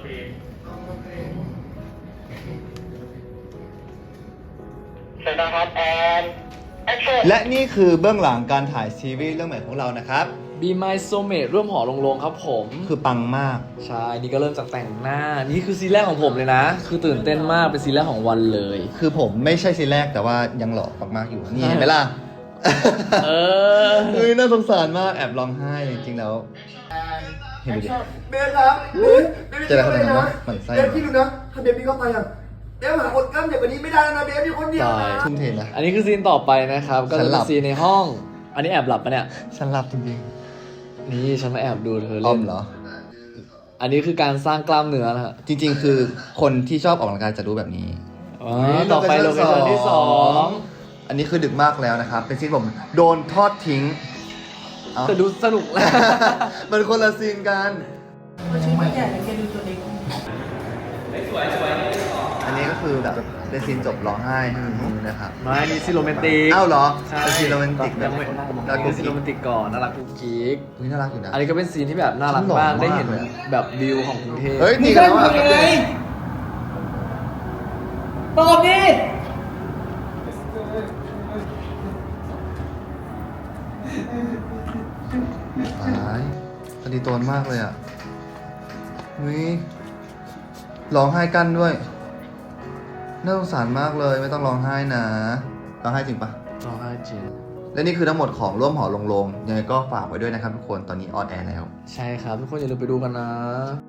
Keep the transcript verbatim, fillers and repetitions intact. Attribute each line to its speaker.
Speaker 1: เพลงเสร็จนะครับแอนแอคชั่น
Speaker 2: และนี่คือเบื้องหลังการถ่ายซีรีส์เรื่องใหม่ของเรานะครับ
Speaker 3: Be My Soulmate ร่วมหอลงโลงครับผม
Speaker 2: คือปังมาก
Speaker 3: ใช่ นี่ก็เริ่มจากแต่งหน้า นี่คือซีนแรกของผมเลยนะ คือตื่นเต้นมาก เป็นซีนแรกของวันเลย
Speaker 2: คือผมไม่ใช่ซีนแรกแต่ว่ายังหล่อมากๆอยู่ นี่เห็นไหมล่ะ
Speaker 3: เออ
Speaker 2: เฮ้ยน่าสงสารมากแอบร้องไห้จริงๆแล้ว เห็นดูดิ
Speaker 4: เบสครับเบสเบส
Speaker 2: เจออะไรขนาดนั้นวะหมั่นไส้
Speaker 4: เบสพี่ดูนะ ถ้าเบสพี่เข้าไปอ่ะเบสหาคนกล้ามใหญ่กว่านี้ไม่ได้แล้วนะเบสพี่คนเดียวนะ
Speaker 2: ทุ่มเทนะ
Speaker 3: อันนี้คือซีนต่อไปนะครับ ก็
Speaker 2: ฉั
Speaker 3: จะ
Speaker 2: นหลั
Speaker 3: เป็น
Speaker 2: บ
Speaker 3: ซีนในห้อง อันนี้แอบหลับปะเนี่ย
Speaker 2: ฉันรับจริง
Speaker 3: นี่ฉันมาแอบดูเธอ
Speaker 2: ๆอ้อ
Speaker 3: เล่
Speaker 2: ม
Speaker 3: น
Speaker 2: เหรอ
Speaker 3: อันนี้คือการสร้างกล้ามเนื้อนะฮะ
Speaker 2: จริงๆ คือคนที่ชอบออกกำลังกายจะรู้แบบนี้
Speaker 3: อ๋อต่อไปโลเคชั่นที่สอง
Speaker 2: อันนี้คือดึกมากแล้วนะครับ เป็นซีนผมโดนทอดทิ้งเอ้า
Speaker 3: แต่ดูสนุก
Speaker 2: มันคนละซีนกัน
Speaker 4: ชื่อไม่ใหญ่แกดูตัวเล็ก
Speaker 2: อันนี้ก็คือแบบเป็นซีนจบร้องไห้ให้มันรู้นะครับ
Speaker 3: ไม่นี่ซีนโรแมนติก
Speaker 2: อ้าวเหรอ
Speaker 3: ใช่
Speaker 2: เป็นซีนโรแมนติกแบบ
Speaker 3: ยังไม่
Speaker 2: น่า
Speaker 3: นี่
Speaker 2: กุ๊
Speaker 3: คื
Speaker 2: ก
Speaker 3: อซีน
Speaker 2: กิ๊
Speaker 3: โร
Speaker 2: ก
Speaker 3: แมนติกก่อนน่ารักกุ๊กกิ๊ก
Speaker 2: นี่น่ารักอยู่นะ
Speaker 3: อันนี้ก็เป็นซีนที่แบบน่ารักมาก
Speaker 2: ฉันหล่อมาก
Speaker 3: ได้เห็น
Speaker 2: เลยอะ
Speaker 3: แบบวิวของกรุงเทพ
Speaker 2: เฮ้ยตีกันแล้วอ่ะ
Speaker 4: ตอบดิ
Speaker 2: ตายคดีโตนมากเลยอ่ะวิร้องไห้กันด้วย น่าสงสารมากเลย ไม่ต้องร้องไห้นะ ร้องไห้จริงปะ
Speaker 3: ร้องไห้จริง
Speaker 2: และนี่คือทั้งหมดของร่วมหอลงโลงยังไงก็ฝากไว้ด้วยนะครับทุกคน ตอนนี้ออนแอร์แล้ว
Speaker 3: ใช่ครับ ทุกคนอย่าลืมไปดูกันนะ